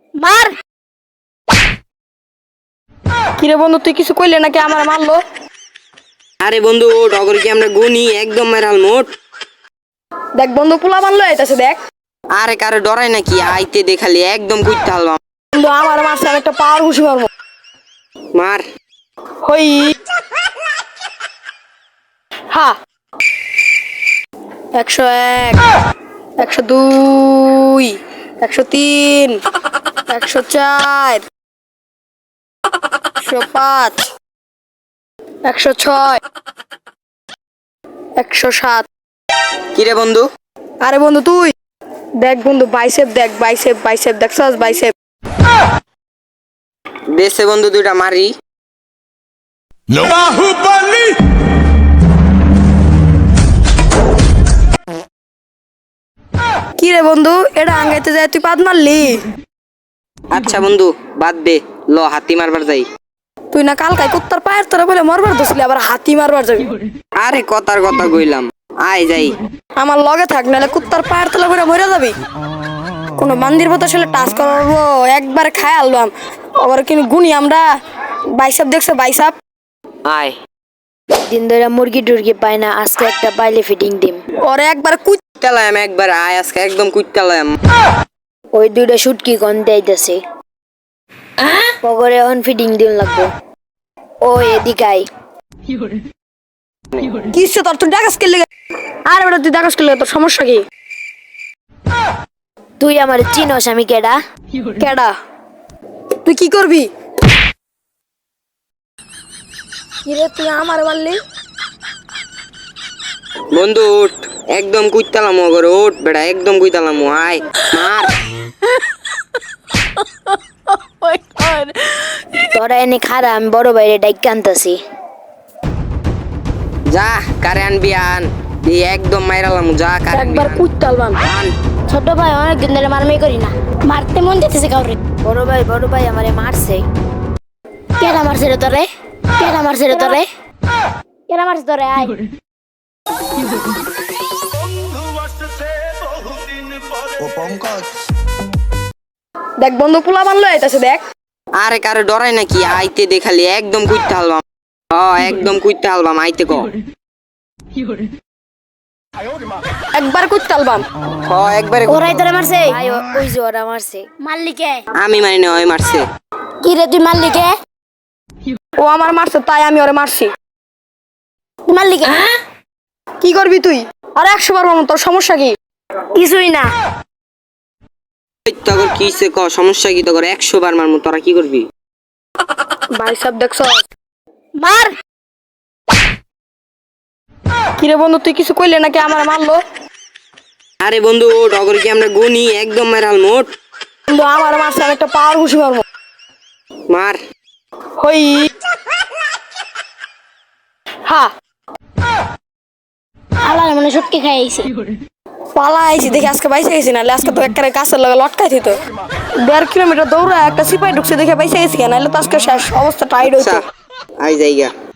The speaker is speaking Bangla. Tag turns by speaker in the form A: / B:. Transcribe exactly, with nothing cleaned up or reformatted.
A: মার। কিরে বন্ধু তুই কিছু কইলে নাকি আমার মারলো?
B: আরে বন্ধু ডগর কি আমরা গুনি একদম মারাল মোট।
A: দেখ বন্ধু পোলা মারলো আইতাছে দেখ।
B: আরে কারে ডরাই নাকি আইতে দেখালি একদম কুইতে হালবাম।
A: বন্ধু আমার মারছে আমি একটা পাওয়ার ঘুষি মারবো।
B: মার।
A: হই হা। একশো এক, একশো দুই, একশো তিন, একশো চার, একশো পাঁচ, একশো ছয়, একশো সাত।
B: কিরে বন্ধু?
A: আরে বন্ধু তুই দেখ বন্ধু বাইসেপ দেখ বাইসেপ বাইসেপ দেখছস বাইসেপ।
B: দেশে বন্ধু দুইটা মারি।
C: বাহুবলী
A: কি রে বন্ধু এটা আঙ্গাইতে যায় তুই পাদ মারলি?
B: আচ্ছা বন্ধু বাদ দে, ল হাতি মারবার যাই।
A: তুই না কালকাই কুত্তার পায়ের তোরা বলে মরবার দোষলি আবার হাতি মারবার যাবি।
B: আরে কথার কথা কইলাম, আয় যাই।
A: আমার লগে থাক নাহলে কুত্তার পায়ের তলা করে মরে যাবি। কোনো মন্দির মতো আসলে টাচ করবো একবার খায় আলবাম আবার কিন্তু গুনি আমরা। বাইসাপ দেখছো বাইসাপ?
B: আয়।
D: দিন ধরে মুরগি টুরগি পাই না, আজকে একটা পাইলে ফিটিং দিম।
A: ওরে একবার কুচ
B: কুইতালাম একবার, আয় আজকে একদম কুইতালাম।
D: ওই দুইটা শুটকি গন্ধে আইতাছে, পগরে এখন ফিটিং দিন লাগবো। ও এদিকে আই।
A: কিসে তোর তুই ডাকাস কেলে? আরে বেটা তুই ডাকাস কেলে তোর সমস্যা কি?
D: তুই আমার চিনোস আমি কেডা?
A: কেডা? তুই কি করবি? কিরে তুই আমার মারলি?
B: বন্ধু উঠ, একদম কুইতালাম ওগর, উঠ বেটা একদম কুইতালাম। আয় মার।
D: তোরা এনে খারা, আমি বড় বাইরে ডাইক আনতাছি।
B: যা কারে আনবি আন, এই একদম মাইরালাম। যা কারে আনবি
A: একবার
B: আন।
A: কুচ চালবাম।
B: আন।
D: ছোট ভাই অনেক দিন ধরে মারমাই করি না, মারতে মন যেতেছে কাউরে। বড় ভাই বড় ভাই আমারে মারছে। কেডা মারছে রে তোরে? কেডা মারছে রে তোরে? কেডা মারছে তোরে? আয়।
C: ও পঙ্কজ
A: দেখ বন্ধু পোলা মারলো আইতাছে দেখ।
B: আরে কারে ডরাই নাকি আইতে দেখালি একদম কুইতে হালবাম। হ একদম কুইতে হালবাম, আইতে ক।
A: একবার কুচ চালবাম।
B: হ একবারে।
D: ওরাই তোরে মারছে? ভাই ও- ওই যে ওরা মারছে। মারলি কে?
B: আমি মানি না, ওই মারছে।
D: কি রে তুই মারলি কে?
A: ও আমার মারছে তাই আমি ওরে মারছি।
D: তুই মারলি কে?
A: কি করবি তুই? আর একশো বার মারবো তোর সমস্যা কি?
D: কিছুই না।
B: এই তগর কিসে ক, সমস্যা কি তগর? একশো বার মারমু, তোরা কি করবি?
A: বাইসাপ দেখছো?
D: মার।
A: কিরে বন্ধু তুই কিছু কইলে নাকি আমার মারলো?
B: আরে বন্ধু ডগর কি আমরা গুনি একদম মারাল মোট।
A: বন্ধু আমার মারছে আমি একটা পাওয়ার ঘুষি মারবো।
B: মার।
A: হই হা।
D: আলার মনে শুটকি খাই আইছে।
A: পালা আইছি দেখি আজকে বাইসে গেছি না আজকে তো একটা কাছের লগে লটকাই দিত। দেড় কিলোমিটার দৌড়া একটা সিপাই ঢুকছে দেখে বাইসে গেছি, নাহলে তো আজকে শেষ অবস্থা টাইট হইতো।
B: আচ্ছা, আই যাইগা।